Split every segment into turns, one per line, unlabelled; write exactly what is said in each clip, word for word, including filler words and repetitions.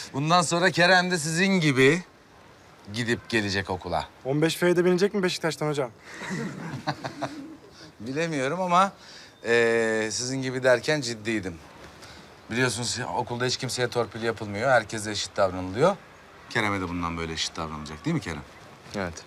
Bundan sonra Kerem de sizin gibi gidip gelecek okula.
on beş F'de binecek mi Beşiktaş'tan hocam?
Bilemiyorum ama eee, sizin gibi derken ciddiydim. Biliyorsunuz okulda hiç kimseye torpil yapılmıyor. Herkese eşit davranılıyor. Kerem'e de bundan böyle eşit davranılacak değil mi Kerem?
Evet.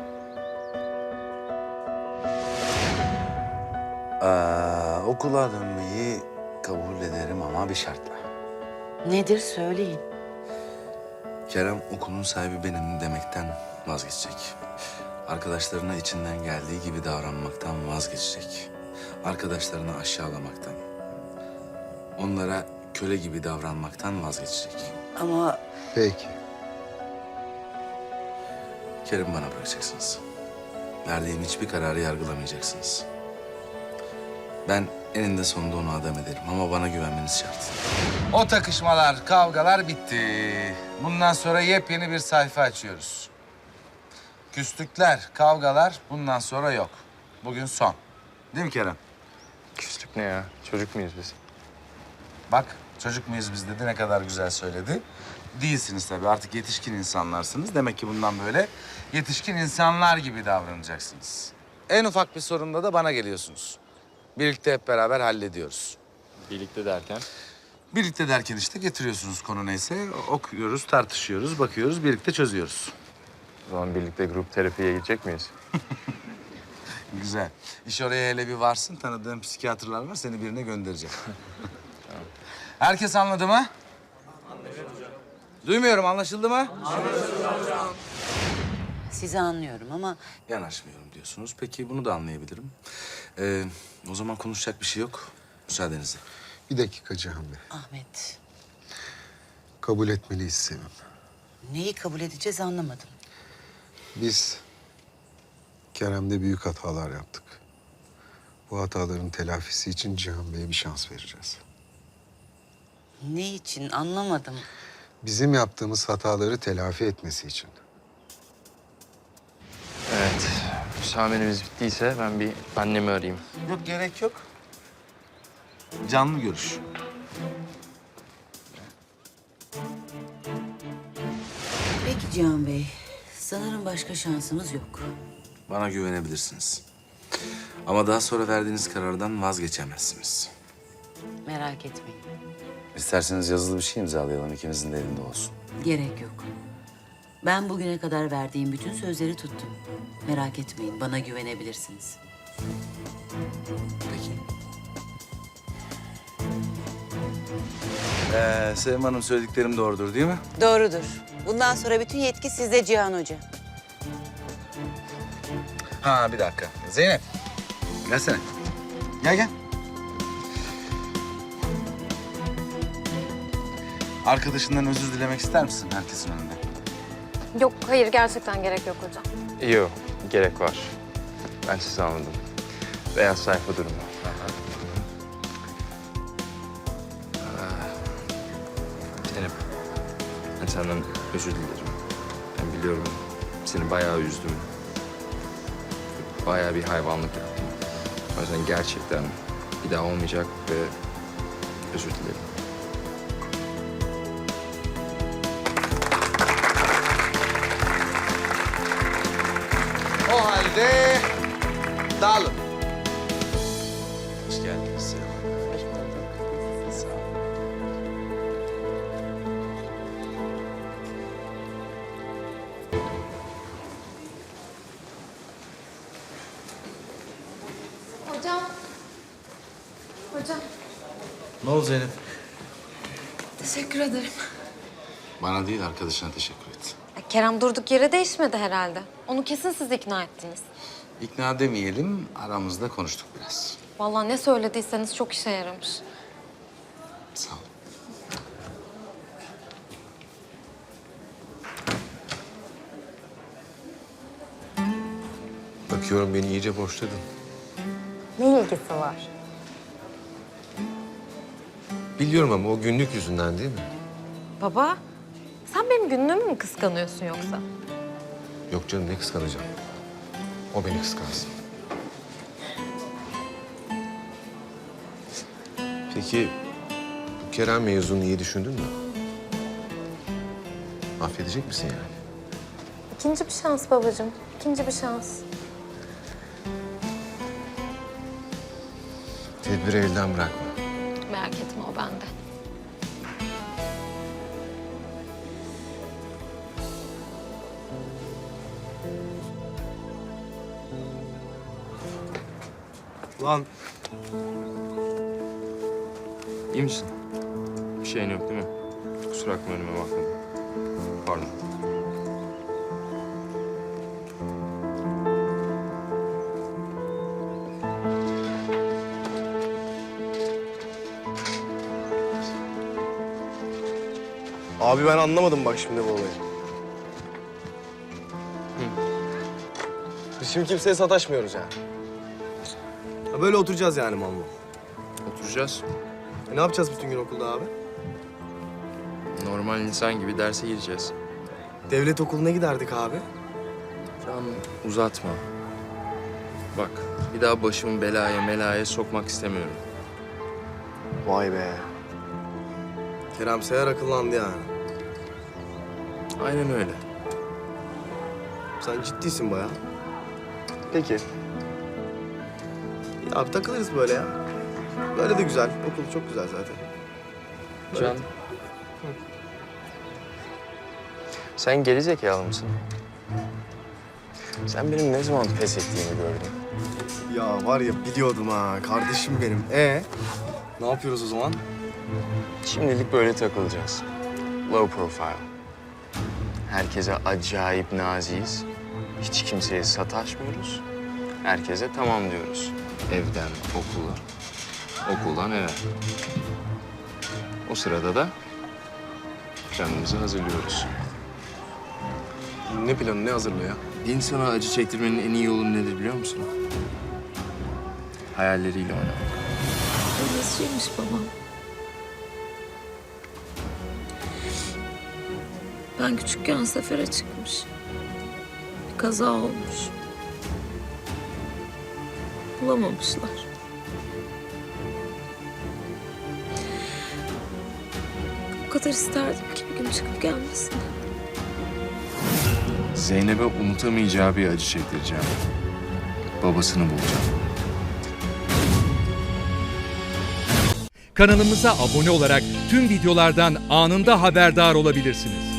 Aa, okula dönmeyi kabul ederim ama bir şartla.
Nedir söyleyin.
Kerem okulun sahibi benim demekten vazgeçecek. Arkadaşlarına içinden geldiği gibi davranmaktan vazgeçecek. Arkadaşlarını aşağılamaktan, onlara köle gibi davranmaktan vazgeçecek.
Ama
Peki.
Kerem'i bana bırakacaksınız. Verdiğim hiçbir kararı yargılamayacaksınız. Ben eninde sonunda onu adam ederim ama bana güvenmeniz şart. O takışmalar, kavgalar bitti. Bundan sonra yepyeni bir sayfa açıyoruz. Küslükler, kavgalar bundan sonra yok. Bugün son. Değil mi Kerem?
Küslük ne ya? Çocuk muyuz biz?
Bak çocuk muyuz biz dedi, ne kadar güzel söyledi. Değilsiniz tabii, artık yetişkin insanlarsınız. Demek ki bundan böyle yetişkin insanlar gibi davranacaksınız. En ufak bir sorunda da bana geliyorsunuz. Birlikte hep beraber hallediyoruz.
Birlikte derken?
Birlikte derken işte getiriyorsunuz konu neyse. Okuyoruz, tartışıyoruz, bakıyoruz, birlikte çözüyoruz.
O zaman birlikte grup terapiye gidecek miyiz?
Güzel. İş oraya hele bir varsın. Tanıdığım psikiyatrlar var. Seni birine göndereceğim. Herkes anladı mı? Anlaşıldı hocam. Duymuyorum. Anlaşıldı mı?
sizi anlıyorum ama
Yanaşmıyorum diyorsunuz. Peki bunu da anlayabilirim. Ee, o zaman konuşacak bir şey yok. Müsaadenizle.
Bir dakika Cihan Bey.
Ahmet,
Kabul etmeliyiz Sevim.
neyi kabul edeceğiz anlamadım.
Biz Kerem'de büyük hatalar yaptık. Bu hataların telafisi için Cihan Bey'e bir şans vereceğiz.
Ne için anlamadım.
Bizim yaptığımız hataları telafi etmesi için.
Evet. Müsameremiz bittiyse ben bir annemi arayayım.
Yok, gerek yok. Canlı görüş.
Peki Cihan Bey, sanırım başka şansımız yok.
Bana güvenebilirsiniz. Ama daha sonra verdiğiniz karardan vazgeçemezsiniz.
Merak etmeyin.
İsterseniz yazılı bir şey imzalayalım. İkinizin de elinde olsun.
Gerek yok. Ben bugüne kadar verdiğim bütün sözleri tuttum. Merak etmeyin, bana güvenebilirsiniz.
Peki. Ee, Sevim Hanım, söylediklerim doğrudur değil mi?
Doğrudur. Bundan sonra bütün yetki sizde Cihan Hoca.
Ha, bir dakika. Zeynep. Gelsene. Gel gel. Arkadaşından özür dilemek ister misin herkesin önünde?
Yok, hayır gerçekten gerek yok hocam.
Yok, gerek var. Ben sizi anladım. Beyaz sayfa durumu. Zeynep, ben senden özür dilerim. Ben biliyorum seni bayağı üzdüm. Bayağı bir hayvanlık yaptım. O yüzden gerçekten bir daha olmayacak ve özür dilerim.
O halde dağılın. Hoş geldiniz Sevim Hanım.
Hoş bulduk.
Sağ olun.
Hocam. Hocam.
Ne oldu Zeynep?
Teşekkür ederim.
Bana değil, arkadaşına teşekkür et.
Kerem durduk yere değişmedi herhalde. Onu kesin siz ikna ettiniz.
İkna demeyelim, aramızda konuştuk biraz.
Vallahi ne söylediyseniz çok işe yaramış.
Sağ ol.
Bakıyorum beni iyice boşladın.
Ne ilgisi var?
Biliyorum ama o günlük yüzünden değil mi?
Baba, sen benim günlüğümü mü kıskanıyorsun yoksa?
Yok canım, ne kıskanacağım. O beni kıskansın. Peki bu Kerem mevzunu iyi düşündün mü? Affedecek misin yani?
İkinci bir şans babacığım. İkinci bir şans.
Tedbiri elden bırakma.
Merak etme o bende.
Lan
İyi misin? Bir şeyin yok değil mi? Kusura bakma önüme bakmadım. Pardon.
abi ben anlamadım bak şimdi bu olayı. Biz şimdi kimseye sataşmıyoruz yani. Ya böyle oturacağız yani mal mal.
Oturacağız.
E ne yapacağız bütün gün okulda abi?
Normal insan gibi derse gireceğiz.
Devlet okuluna giderdik abi.
Can uzatma. Bak bir daha başımı belaya melaya sokmak istemiyorum.
Vay be. Kerem Seher akıllandı yani.
Aynen öyle.
Sen ciddisin bayağı. Peki. Ya abi takılırız böyle ya. Böyle de güzel. Okul çok güzel zaten.
Can. Sen geri zekalı mısın? Sen benim ne zaman pes ettiğimi gördün.
Ya var ya biliyordum ha. Kardeşim benim. E ne yapıyoruz o zaman?
Şimdilik böyle takılacağız. Low profile. Herkese acayip naziyiz. Hiç kimseye sataşmıyoruz. Herkese tamam diyoruz. Evden okula, okuldan eve. O sırada da planımızı hazırlıyoruz.
Ne planı, ne hazırlığı ya?
İnsana acı çektirmenin en iyi yolu nedir biliyor musun? Hayalleriyle oynamak.
Nasılmış babam? Ben küçükken sefere çıkmış. Bir kaza olmuş. Bulamamışlar. O kadar isterdim ki bir gün çıkıp gelmesini.
Zeynep'e unutamayacağı bir acı çektireceğim. Babasını bulacağım.
Kanalımıza abone olarak tüm videolardan anında haberdar olabilirsiniz.